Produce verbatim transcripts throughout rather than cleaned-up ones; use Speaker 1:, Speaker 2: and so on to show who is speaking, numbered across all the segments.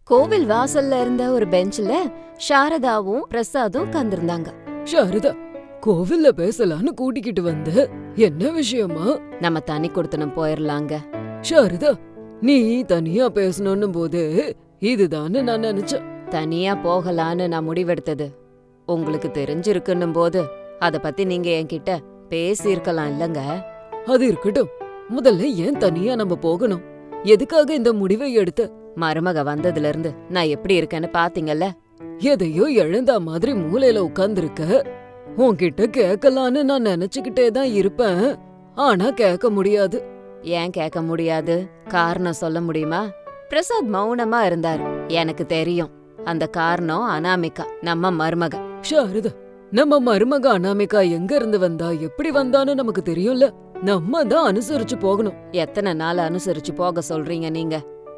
Speaker 1: கோவில் வாசல்ல இருந்த ஒரு பெஞ்ச்ல சாரதாவும் பிரசாதும் உட்கார்ந்திருந்தாங்க.
Speaker 2: சாரதா, கோவில்ல பேசலான்னு கூட்டிக்கிட்டு வந்த, என்ன விஷயமா?
Speaker 1: நம்ம தனி கொடுத்தனும் போயிரலாங்க.
Speaker 2: சாரதா, நீ தனியா பேசணும்னு போது இதுதான்னு நான் நினைச்சேன்.
Speaker 1: தனியா போகலான்னு நான் முடிவெடுத்தது உங்களுக்கு தெரிஞ்சிருக்குன்னும் போது அத பத்தி நீங்க என்கிட்ட பேசி இருக்கலாம் இல்லங்க.
Speaker 2: அது இருக்கட்டும், முதல்ல ஏன் தனியா நம்ம போகணும்? எதுக்காக இந்த முடிவை எடுத்த?
Speaker 1: மருமக வந்ததுல இருந்து நான் எப்படி இருக்கேன்னு பாத்தீங்கல்ல.
Speaker 2: எதையோ இழந்தா மாதிரி மூலையில உட்கார்ந்துருக்க. உன்கிட்ட கேட்கலான்னு நான் நினைச்சுக்கிட்டே தான் இருப்பேன், ஆனா கேட்க முடியாது.
Speaker 1: ஏன் கேட்க முடியாது? காரணம் சொல்ல முடியுமா? பிரசாத் மௌனமா இருந்தாரு. எனக்கு தெரியும், அந்த காரணம் அனாமிகா, நம்ம மருமக.
Speaker 2: சாரதா, நம்ம மருமக அனாமிகா எங்க இருந்து வந்தா, எப்படி வந்தான்னு நமக்கு தெரியும்ல. நம்ம தான் அனுசரிச்சு போகணும்.
Speaker 1: எத்தனை நாள் அனுசரிச்சு போக சொல்றீங்க நீங்க?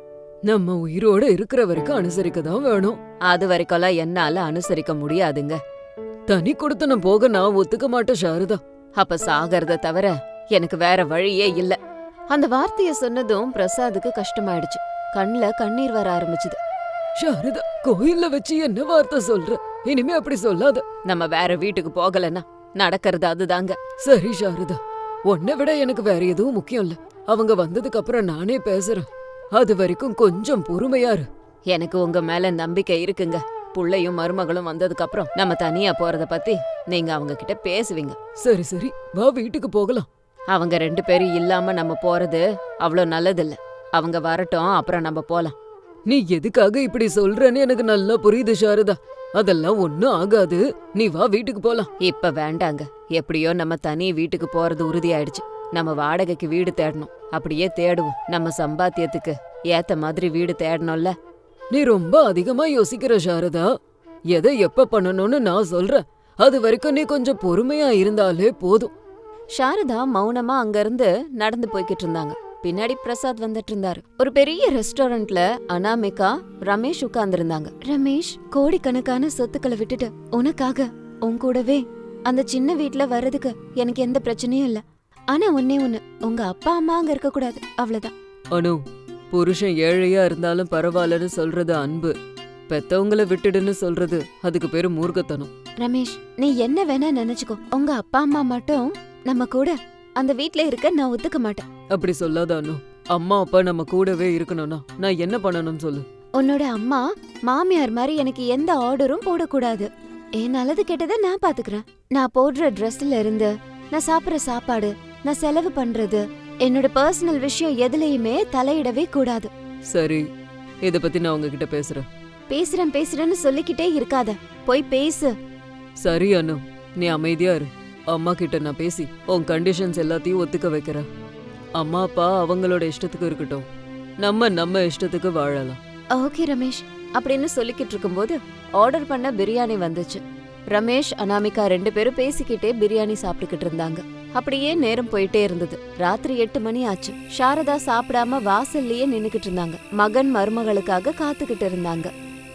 Speaker 2: நம்ம உயிரோட இருக்கிற வரைக்கும் அனுசரிக்க தான் வேணும்.
Speaker 1: அது வரைக்கும்லாம் என்னால அனுசரிக்க முடியாதுங்க.
Speaker 2: தனி கொடுத்தன போக நான் ஒத்துக்க மாட்டேன் சாரதா.
Speaker 1: அப்ப சாகறத தவிர எனக்கு வேற வழியே இல்ல. அந்த வார்த்தைய சொன்னதும் பிரசாதுக்கு கஷ்டமாயிடுச்சு. கண்ணுல கண்ணீர் வர ஆரம்பிச்சுது.
Speaker 2: சாரதா, கோயில்ல வச்சு என்ன வார்த்தை சொல்ற? இனிமே அப்படி சொல்லாத.
Speaker 1: நம்ம வேற வீட்டுக்கு போகலன்னா நடக்கிறது அதுதாங்க.
Speaker 2: சரி சாரதா, உன்னை விட எனக்கு வேற எதுவும் முக்கியம் இல்ல. அவங்க வந்ததுக்கு அப்புறம் நானே பேசுறேன். அது வரைக்கும் கொஞ்சம் பொறுமையா இரு.
Speaker 1: எனக்கு உங்க மேல நம்பிக்கை இருக்குங்க. புள்ளையும் மருமகளும் வந்ததுக்கு அப்புறம் நம்ம தனியா போறத பத்தி நீங்க அவங்க கிட்ட பேசுவீங்க.
Speaker 2: சரி சரி, வா வீட்டுக்கு போகலாம்.
Speaker 1: அவங்க ரெண்டு பேரும் இல்லாம நம்ம போறது அவ்வளோ நல்லதில்ல. அவங்க வரட்டும், அப்புறம் நம்ம போலாம்.
Speaker 2: நீ எதுக்காக இப்படி சொல்றன்னு எனக்கு நல்லா புரியுது சாரதா. அதெல்லாம் ஒண்ணும் ஆகாது, நீ வா வீட்டுக்கு போலாம்.
Speaker 1: இப்ப வேண்டாங்க. எப்படியோ நம்ம தனி வீட்டுக்கு போறது உறுதியாயிடுச்சு. நம்ம வாடகைக்கு வீடு தேடணும். அப்படியே தேடுவோம். நம்ம சம்பாத்தியத்துக்கு ஏத்த மாதிரி வீடு தேடணும்ல.
Speaker 2: நீ ரொம்ப அதிகமா யோசிக்கிற சாரதா. எதை எப்ப பண்ணணும்னு நான் சொல்றேன். அது வரைக்கும் நீ கொஞ்சம் பொறுமையா இருந்தாலே போதும்.
Speaker 1: சாரதா மௌனமா அங்க இருந்து நடந்து போய்கிட்டு இருந்தாங்க. பின்னாடி பிரசாத் வந்துட்டு இருந்தாரு. ஒரு பெரிய ரெஸ்டாரண்ட்ல அனாமிகா, ரமேஷ் உட்கார்ந்து இருந்தாங்க. ரமேஷ், கோடிக்கணக்கான சொத்துக்களை விட்டுட்டு உனக்காக உன் கூடவே அந்த சின்ன வீட்ல வர்றதுக்கு எனக்கு எந்த பிரச்சனையும் இல்ல. ஆனா ஒன்னே ஒண்ணு, உங்க அப்பா அம்மா அங்க இருக்க கூடாது, அவ்வளவுதான்.
Speaker 2: அனு, புருஷன் ஏழையா இருந்தாலும் பரவாயில்லன்னு சொல்றது அன்பு. பெத்தவங்கள விட்டுடுன்னு சொல்றது அதுக்கு பேரு மூர்க்கத்தனம்.
Speaker 1: ரமேஷ், நீ என்ன வேணா நினைச்சுக்கோ, உங்க அப்பா அம்மா மட்டும் நம்ம கூட அந்த வீட்ல இருக்க நான் ஒத்துக்க மாட்டேன்.
Speaker 2: அப்படி சொல்லாத அனு. அம்மா அப்பா நம்ம கூடவே இருக்கணும்னா நான் என்ன பண்ணணும்னு சொல்லு.
Speaker 1: உன்னோட அம்மா மாமியார் மாதிரி எனக்கு எந்த ஆர்டரும் போடக்கூடாது. என் நல்லது கெட்டதை நான் பாத்துக்கிறேன். நான் போடுற ட்ரெஸ்ல இருந்து, நான் சாப்பிடுற சாப்பாடு, நான் செலவு பண்றது, என்னோட பர்சனல் விஷயம் எதுலயுமே தலையிடவே கூடாது.
Speaker 2: சரி, இத பத்தி நான் உங்ககிட்ட பேசுறேன்.
Speaker 1: பேசுறேன் பேசுறேன்னு சொல்லிக்கிட்டே இருக்காத, போய் பேசு.
Speaker 2: சரி அனு, நீ அமைதியா இரு. அம்மா கிட்ட நான் பேசி உன் கண்டிஷன்ஸ் எல்லாத்தையும் ஒத்துக்க வைக்கிறேன். அம்மா அப்பா அவங்களோட இஷ்டத்துக்கு இருக்கட்டும், நம்ம நம்ம இஷ்டத்துக்கு வாழலாம்.
Speaker 1: ஓகே ரமேஷ், அப்படின்னு சொல்லிக்கிட்டு இருக்கும்போது ஆர்டர் பண்ண பிரியாணி வந்துச்சு. ரமேஷ், அனாமிகா ரெண்டு பேரும் பேசிக்கிட்டே பிரியாணி சாப்பிட்டுக்கிட்டு இருந்தாங்க. அப்படியே நேரம் போயிட்டே இருந்தது. ராத்திரி எட்டு மணி ஆச்சு. சாரதா சாப்பிடாம வாசல்லயே நின்னுக்கிட்டு இருந்தாங்க. மகன் மருமகளுக்காக காத்துக்கிட்டு இருந்தாங்க.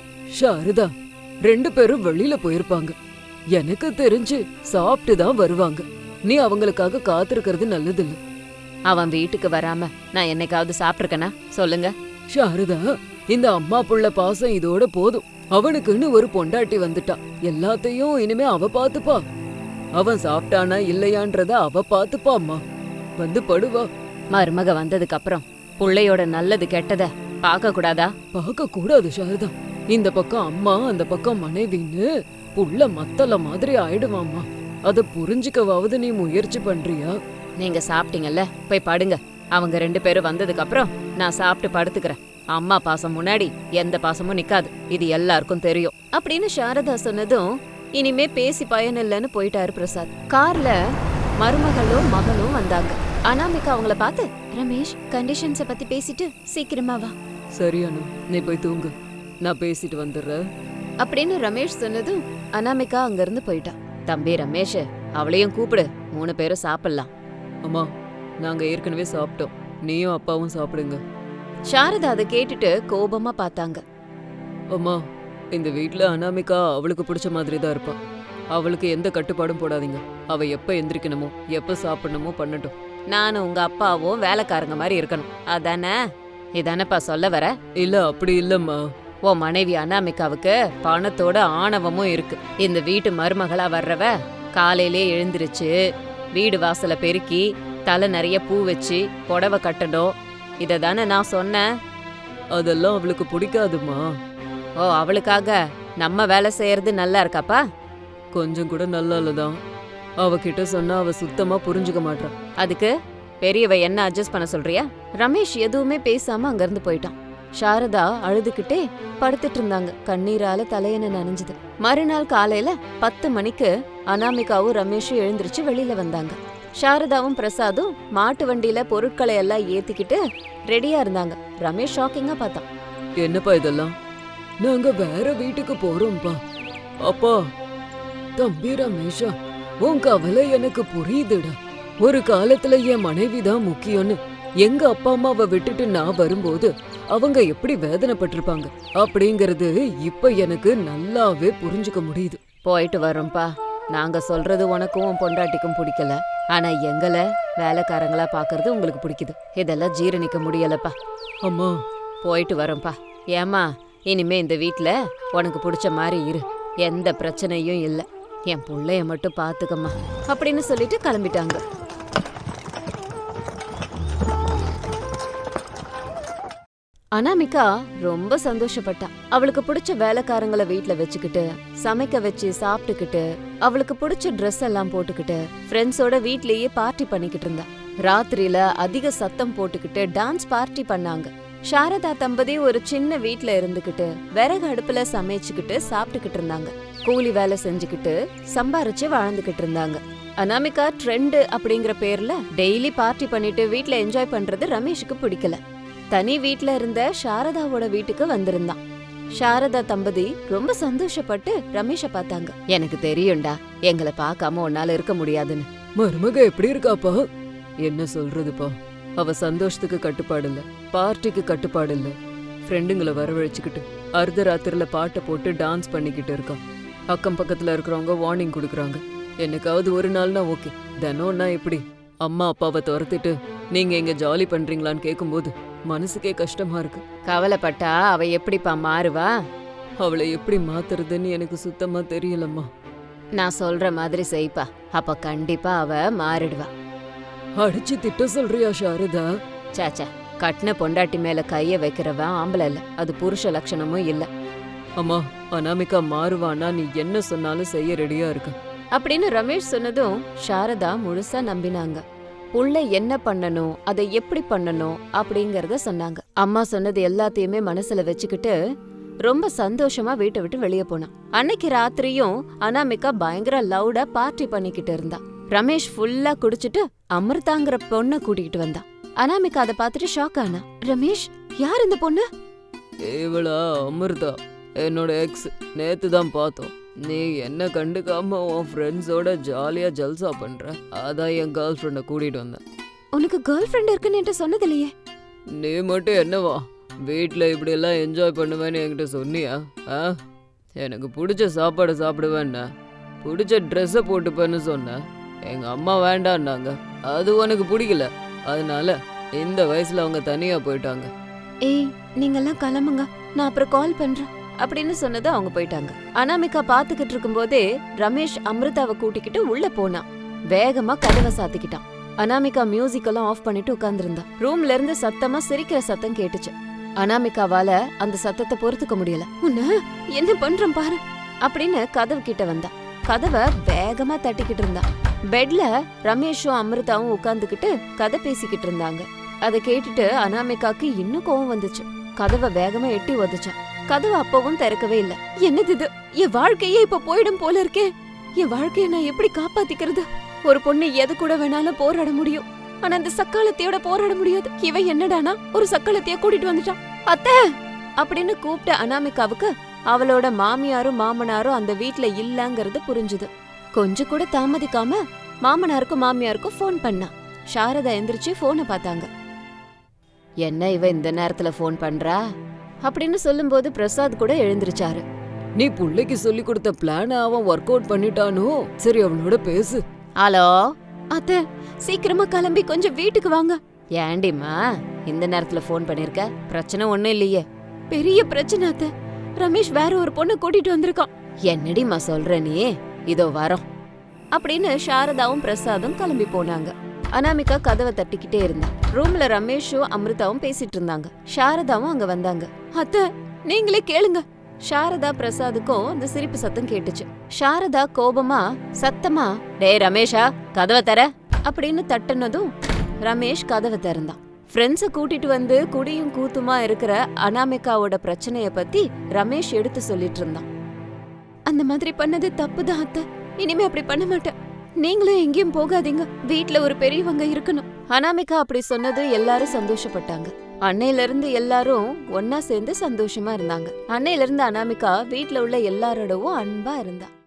Speaker 2: சாரதா, ரெண்டு பேரும் வெளியில போயிருப்பாங்க. எனக்கு தெரிஞ்சு சாப்பிட்டு தான் வருவாங்க. நீ அவங்களுக்காக காத்திருக்கிறது நல்லதில்ல.
Speaker 1: அவன் வீட்டுக்கு வராம நான் என்னைக்காவது சாப்பிட்டிருக்கேனா சொல்லுங்க?
Speaker 2: சாரதா, இந்த அம்மா புள்ள பாசம் இதோட போதும். அவனுக்குன்னு ஒரு பொண்டாட்டி வந்துட்டா, எல்லாத்தையும் இனிமே அவ பாத்துப்பா. அவன் சாப்பிட்டானா இல்லையான்றத அவ பாத்துப்பா. அம்மா வந்து படுவா.
Speaker 1: மருமக வந்ததுக்கு அப்புறம் புள்ளையோட நல்லது கெட்டத பாக்க கூடாதா?
Speaker 2: பாக்க கூடாது சாரதா. இந்த பக்கம் அம்மா, அந்த பக்கம் மனைவின்னு புள்ள மத்தல மாதிரி ஆயிடுவாம்மா. அத புரிஞ்சுக்கவாவது நீ முயற்சி பண்றியா?
Speaker 1: நீங்க சாப்பிட்டீங்கல்ல, போய் படுங்க. அவங்க ரெண்டு பேரும் வந்ததுக்கு அப்புறம் நான் சாப்பிட்டு படுத்துக்கிறேன். அம்மா பாசம் முன்னாடி எந்த பாசமும் நிக்காது, இது எல்லாருக்கும் தெரியும் அப்படின்னு சாரதா சொன்னதும் இனிமே பேசி பயன் இல்லைன்னு போயிட்டாரு பிரசாத். கார்ல மருமகளும் மகனும் வந்தாங்க. அனாமிகா அவங்கள பார்த்து, ரமேஷ், கண்டிஷன்ஸ பத்தி பேசிட்டு சீக்கிரமா வா.
Speaker 2: சரி அனு, நீ போய் தூங்கு, நான் பேசிட்டு வந்துடுறேன்
Speaker 1: அப்படின்னு ரமேஷ் சொன்னதும் அனாமிகா அங்க இருந்து போயிட்டா. தம்பி ரமேஷ், அவளையும் கூப்பிடு, மூணு பேரும் சாப்பிடலாம்.
Speaker 2: அம்மா, நாங்க ஏற்கனவே சாப்பிட்டோம், நீயும் அப்பாவும் சாப்பிடுங்க.
Speaker 1: சாரதா அதை கேட்டுட்டு கோபமா பார்த்தாங்க.
Speaker 2: அம்மா, இந்த வீட்ல அனாமிகா அவளுக்கு பிடிச்ச மாதிரி தான் இருப்பா. அவளுக்கு எந்த கட்டுப்பாடும் போடாதீங்க. அவ எப்ப எந்திரிக்கணுமோ எப்ப சாப்பிடணுமோ பண்ணட்டும்.
Speaker 1: நானும் உங்க அப்பாவும் வேலைக்காரங்க மாதிரி இருக்கணும், அதானே? இதானப்பா சொல்ல வர?
Speaker 2: இல்ல, அப்படி இல்லம்மா.
Speaker 1: உன் மனைவி அனாமிகாவுக்கு பணத்தோட ஆணவமும் இருக்கு. இந்த வீட்டு மருமகளா வர்றவ காலையிலே எழுந்திருச்சு வீடு வாசலை பெருக்கி தலை நிறைய பூ வச்சு புடவை கட்டணும். இத தானே நான் சொன்னேன்.
Speaker 2: அதெல்லாம் அவளுக்கு பிடிக்காதுமா.
Speaker 1: ஓ, அவளுக்காக நம்ம வேலை செய்யறது நல்லா இருக்காப்பா?
Speaker 2: கொஞ்சம் கூட நல்லா இல்லதான். அவகிட்ட சொன்னா அவ சுத்தமா புரிஞ்சுக்க மாட்டான்.
Speaker 1: அதுக்கு பெரியவ என்ன அட்ஜஸ்ட் பண்ண சொல்றியா? ரமேஷ் எதுவுமே பேசாம அங்கிருந்து போயிட்டான். சாரதா அழுதுகிட்டே படுத்துட்டு இருந்தாங்க. கண்ணீரால தலையணை நனைஞ்சுது. மறுநாள் காலையில பத்து மணிக்கு அனாமிகாவும் ரமேஷும் எழுந்திருச்சு வெளியில வந்தாங்க. சாரதாவும் பிரசாதும் மாட்டு வண்டியில பொருட்களை எல்லாம் ஏத்திக்கிட்டு ரெடியா இருந்தாங்க. ரமேஷ் ஷாக்கிங்கா பார்த்தான்.
Speaker 2: என்னப்பா இதெல்லாம்? நாங்க வேற வீட்டுக்கு போறோம்ப்பா. அப்பா, தம்பி ரமேஷா, உன் கவலை எனக்கு புரியுதுடா. ஒரு காலத்துல என் மனைவிதான் முக்கியம்னு எங்க அப்பா அம்மாவை விட்டுட்டு நான் வரும்போது அவங்க எப்படி வேதனைப்பட்டிருப்பாங்க அப்படிங்கறது இப்ப எனக்கு நல்லாவே புரிஞ்சுக்க முடியுது.
Speaker 1: போயிட்டு வரோம்ப்பா. நாங்க சொல்றது உனக்கும் உன் பொண்டாட்டிக்கும் பிடிக்கல, ஆனா எங்களை வேலைக்காரங்களா பாக்குறது உங்களுக்கு பிடிக்குது. இதெல்லாம் ஜீரணிக்க முடியலப்பா.
Speaker 2: அம்மா,
Speaker 1: போயிட்டு வரோம்ப்பா. ஏமா, இனிமே இந்த வீட்ல உனக்கு பிடிச்ச மாதிரி இரு, எந்த பிரச்சனையும் இல்ல. என் புள்ளைய மட்டும் பாத்துக்கம்மா அப்படின்னு சொல்லிட்டு கிளம்பிட்டாங்க. அனாமிகா ரொம்ப சந்தோஷப்பட்டா. அவளுக்கு பிடிச்ச வேலைக்காரங்களை வீட்ல வச்சுக்கிட்டு சமைக்க வச்சு சாப்பிட்டுக்கிட்டு அவளுக்கு பிடிச்ச ட்ரெஸ் எல்லாம் போட்டுக்கிட்டு ஃப்ரெண்ட்ஸோட வீட்லயே பார்ட்டி பண்ணிக்கிட்டு இருந்தா. ராத்திரியில அதிக சத்தம் போட்டுக்கிட்டு டான்ஸ் பார்ட்டி பண்ணாங்க. சாரதா தம்பதி ஒரு சின்ன வீட்ல இருந்துகிட்டு விறகு அடுப்புல சமைச்சுக்கிட்டு சாப்பிட்டுக்கிட்டு இருந்தாங்க. கூலி வேலை செஞ்சுக்கிட்டு சம்பாரிச்சு வாழ்ந்துகிட்டு இருந்தாங்க. அனாமிகா ட்ரெண்ட் அப்படிங்கிற பேர்ல டெய்லி பார்ட்டி பண்ணிட்டு வீட்ல என்ஜாய் பண்றது ரமேஷுக்கு பிடிக்கல. தனி வீட்ல இருந்த சாரதாவோட வீட்டுக்கு வந்திருந்தான். சாரதா தம்பதி ரொம்ப சந்தோஷப்பட்டு ரமேஷ பார்த்தாங்க. எனக்கு தெரியும்டா, எங்களை பார்க்காம உன்னால இருக்க முடியாதுன்னு.
Speaker 2: மருமக எப்படி இருக்காப்பா? என்ன சொல்றதுப்பா, அவ சந்தோஷத்துக்கு கட்டுப்பாடு இல்ல, பார்ட்டிக்கு கட்டுப்பாடு இல்ல. ஃப்ரெண்டுங்களை வரவழைச்சுக்கிட்டு அர்த்தராத்திரில பாட்டை போட்டு டான்ஸ் பண்ணிக்கிட்டு இருக்கான். அக்கம் பக்கத்துல இருக்கிறவங்க வார்னிங் கொடுக்குறாங்க. என்னைக்காவது ஒரு நாள்னா ஓகே, தினம்னா எப்படி? அம்மா அப்பாவை துரத்திட்டு நீங்க எங்க ஜாலி பண்றீங்களான்னு கேட்கும்போது மனசுக்கே கஷ்டமா இருக்கு.
Speaker 1: கவலைப்பட்டா அவ எப்படிப்பா மாறுவா?
Speaker 2: அவளை எப்படி மாத்துறதுன்னு எனக்கு சுத்தமா தெரியலம்மா.
Speaker 1: நான் சொல்ற மாதிரி செய்ப்பா, அப்ப கண்டிப்பா அவ மாறிடுவா.
Speaker 2: அடிச்சு திட்ட சொல்றியா சாரதா?
Speaker 1: சாச்சா, கட்டின பொண்டாட்டி மேல கைய வைக்கிறவன் ஆம்பளை இல்ல, அது புருஷ லட்சணமும் இல்ல.
Speaker 2: அம்மா, அனாமிகா மாறுவானா நீ என்ன சொன்னாலும் செய்ய ரெடியா இருக்க
Speaker 1: அப்படின்னு ரமேஷ் சொன்னதும் சாரதா முழுசா நம்பினாங்க. புள்ள என்ன பண்ணணும், அதை எப்படி பண்ணணும் அப்படிங்கறத சொன்னாங்க. அம்மா சொன்னது எல்லாத்தையுமே மனசுல வச்சுக்கிட்டு ரொம்ப சந்தோஷமா வீட்டை விட்டு வெளியே போனான். அன்னைக்கு ராத்திரியும் அனாமிகா பயங்கர லவுடா பார்ட்டி பண்ணிக்கிட்டு இருந்தா. ரமேஷ் ஃபுல்லா குடிச்சிட்டு அமிர்தாங்கிற பொண்ண கூட்டிகிட்டு வந்தான். அனாமிகா அதை பார்த்துட்டு ஷாக் ஆனா. ரமேஷ், யார் இந்த பொண்ணு?
Speaker 2: இவளா அமிர்தா, என்னோட எக்ஸ். நேத்து தான் பார்த்தோம். நீ என்ன கண்டுக்காம உன் ஃப்ரெண்ட்ஸோட ஜாலியா ஜல்சா பண்ற, அதான் என் கேர்ள் ஃப்ரெண்டை கூட்டிட்டு வந்தேன்.
Speaker 1: உனக்கு கேர்ள் ஃப்ரெண்ட் இருக்குன்னு என்கிட்ட சொன்னதில்லையே.
Speaker 2: நீ மட்டும் என்னவா வீட்டில் இப்படி எல்லாம் என்ஜாய் பண்ணுவேன்னு என்கிட்ட சொன்னியா? ஆ, எனக்கு பிடிச்ச சாப்பாடு சாப்பிடுவேன்னா, பிடிச்ச ட்ரெஸ்ஸை போட்டுப்பேன்னு சொன்னேன். எங்க அம்மா வேண்டான்னாங்க, அது உனக்கு பிடிக்கல. அதனால இந்த வயசுல அவங்க தனியா போயிட்டாங்க.
Speaker 1: ஏய், நீங்கெல்லாம் கிளம்புங்க, நான் அப்புறம் கால் பண்றேன் அப்படின்னு சொன்னது அவங்க போயிட்டாங்க. அனாமிகா பாத்துக்கிட்டு இருக்கும் போதே ரமேஷ் அமிர்தாவை கூட்டிக்கிட்டு உள்ள போனான். வேகமா கதவை சாத்திக்கிட்டான். அனாமிகா மியூசிக் எல்லாம் ஆஃப் பண்ணிட்டு உட்கார்ந்திருந்தா. ரூம்ல இருந்து சத்தமா சிரிக்கிற சத்தம் கேட்டுச்சு. அனாமிகாவால அந்த சத்தத்தை பொறுத்துக்க முடியல. உன்ன என்ன பண்றேன் பாரு அப்படின்னு கதவு கிட்ட வந்தா. கதவை வேகமா தட்டிக்கிட்டு இருந்தா. பெட்ல ரமேஷும் அமிர்தாவும் உட்கார்ந்துகிட்டு கதை பேசிக்கிட்டு இருந்தாங்க. அதை கேட்டுட்டு அனாமிகாக்கு இன்னும் கோவம் வந்துச்சு. கதவை வேகமா எட்டி உதச்சான். கதவு அப்பவும் திறக்கவே இல்ல. என்னது இது? என் வாழ்க்கையே இப்ப போயிடும் போல இருக்கே. என் வாழ்க்கைய நான் எப்படி காப்பாத்திக்கிறது? ஒரு பொண்ணு எது கூட வேணாலும் போராட முடியும், ஆனா அந்த சக்காலத்தையோட போராட முடியாது. இவன் என்னடானா ஒரு சக்காலத்தைய கூட்டிட்டு வந்துட்டான். அத்தை அப்படின்னு கூப்பிட்ட அனாமிகாவுக்கு அவளோட மாமியாரும் மாமனாரும் அந்த வீட்ல இல்லங்கிறது புரிஞ்சுது. கொஞ்சம் கூட தாமதிக்காம மாமனாருக்கும் மாமியாருக்கும் போன் பண்ணா. சாரதா எந்திரிச்சு போனை பார்த்தாங்க. என்ன இவ இந்த நேரத்துல போன் பண்றா அப்படின்னு சொல்லும்போது பிரசாத் கூட எழுந்திருச்சாரு.
Speaker 2: நீ புள்ளைக்கு சொல்லி கொடுத்த பிளான அவன் ஒர்க் அவுட் பண்ணிட்டானோ? சரி, அவனோட பேசு.
Speaker 1: ஹலோ அத்தை, சீக்கிரமா கிளம்பி கொஞ்சம் வீட்டுக்கு வாங்க. ஏண்டிமா இந்த நேரத்துல போன் பண்ணிருக்க? பிரச்சனை ஒண்ணும் இல்லையே. பெரிய பிரச்சனை அத்தை, ரமேஷ் வேற ஒரு பொண்ணு கூட்டிட்டு வந்திருக்கான். என்னடிமா சொல்ற நீ? இதோ வரோம் அப்படின்னு சாரதாவும் பிரசாதும் கிளம்பி போனாங்க. அனாமிகா கதவை தட்டிக்கிட்டே இருந்தா. ரூம்ல ரமேஷும் அமிர்தாவும் பேசிட்டு இருந்தாங்க. சாரதாவும் அங்க வந்தாங்க. அத்தை, நீங்களே கேளுங்க. சாரதா பிரசாதுக்கும் அந்த சிரிப்பு சத்தம் கேட்டுச்சு. சாரதா கோபமா சத்தமா, டேய் ரமேஷா, கதவை தர அப்படின்னு தட்டுனதும் ரமேஷ் கதவை திறந்தான். ஃப்ரெண்ட்ஸ கூட்டிட்டு வந்து குடியும் கூத்துமா இருக்கிற அனாமிகாவோட பிரச்சனைய பத்தி ரமேஷ் எடுத்து சொல்லிட்டு இருந்தான். அந்த மாதிரி பண்ணது தப்புதான் அத்தை, இனிமே அப்படி பண்ண மாட்டேன். நீங்களும் எங்கேயும் போகாதீங்க, வீட்ல ஒரு பெரியவங்க இருக்கணும். அனாமிகா அப்படி சொன்னது எல்லாரும் சந்தோஷப்பட்டாங்க. அன்னையில இருந்து எல்லாரும் ஒன்னா சேர்ந்து சந்தோஷமா இருந்தாங்க. அன்னையில இருந்து அனாமிகா வீட்ல உள்ள எல்லாரோடவும் அன்பா இருந்தா.